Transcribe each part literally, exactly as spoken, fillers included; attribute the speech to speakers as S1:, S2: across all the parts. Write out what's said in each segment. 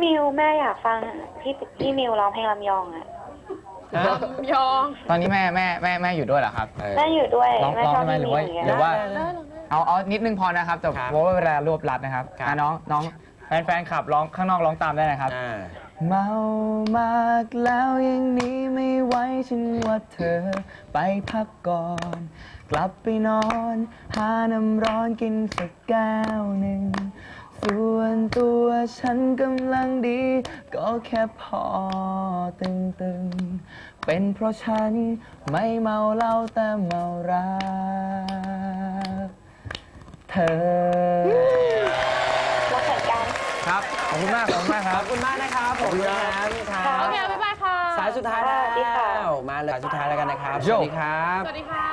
S1: มิวแม่อยากฟังพี่พี่มิวร้องเพลงลำยองอะ
S2: ลำยอง
S3: ตอนนี้แม่แม่แม่แม่อยู่ด้วยเหรอครับ
S1: แม่อยู่ด้วย
S3: ร้อง
S1: แม่
S3: ร้อง
S1: ชอบ
S3: ทำไม
S1: พี่
S3: หรือ
S1: มิว
S3: ว่า
S1: อย่างเงี้ย
S3: หรือว่าเอาเอานิดนึงพอนะครับแต่เพราะว่าเวลารวบรัดนะครับน้องน้องแฟนแฟนขับร้องข้างนอกร้องตามได้นะครับเมามากแล้วยังนี้ไม่ไหวฉันว่าเธอไปพักก่อนกลับไปนอนหาน้ำร้อนกินสักแก้วหนึ่งส่วนตัวฉันกำลังดีก็แค่พอตึงๆเป็นเพราะฉันไม่เมาเหล้าแต่เมารักเธอ
S1: รักเหมือนกัน
S3: ครับขอบคุณมากขอบคุณมากครับ
S4: ขอบคุณมากนะครับผมนะครับ
S2: โอเคบ๊ายบายค่ะ
S4: สายสุดท้ายแล้วมาเลยสายสุดท้ายแล้วกันนะครับสวัสดีครับ
S2: สวัสดีค่ะ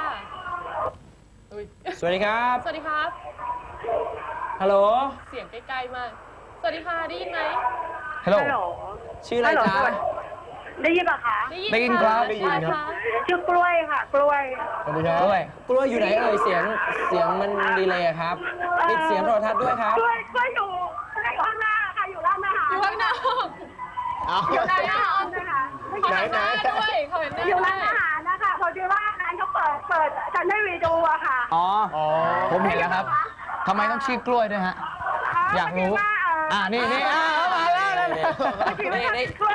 S4: สวัสดีครับ
S2: สวัสดีครับ
S4: ฮัลโหล
S2: เสียงใกล้ๆมากสวัสดีค่ะได้ยินไหม
S3: ฮัลโหล
S4: ชื่ออะไรจ๊ะ
S1: ได้ยินปะคะ
S3: ได้ยินครับได้ยินครับ
S1: ชื่อกล้วยค่ะกล้วย
S3: สวัสดีครับกล้วย
S4: กล้วยอยู่ไหนเอ่ยเสียงเสียงมันดีเลยครับปิดเสียงโทรทัศน์ด้วยครับ
S1: กล้วยกล้วยอยู่ข้างหน้าค่ะอยู่ร้านอาหาร
S2: อยู่ข้างหน้าอยู่ร้านอาหารนะคะเขาเห็นหน้าด้วยเขาเห็นหน้า
S1: อยู่ร้านอาหารนะคะพอดีว่าร้านเขาเปิดเปิดฉันได้วีดูอะค่ะ
S3: อ๋อผมเห็นแล้วครับทำไมต้องชื่อกล้วยด้วยฮะอยากรู้อ่านี่นี่อ่ามาแล้ว
S1: นี่นี่กล้วย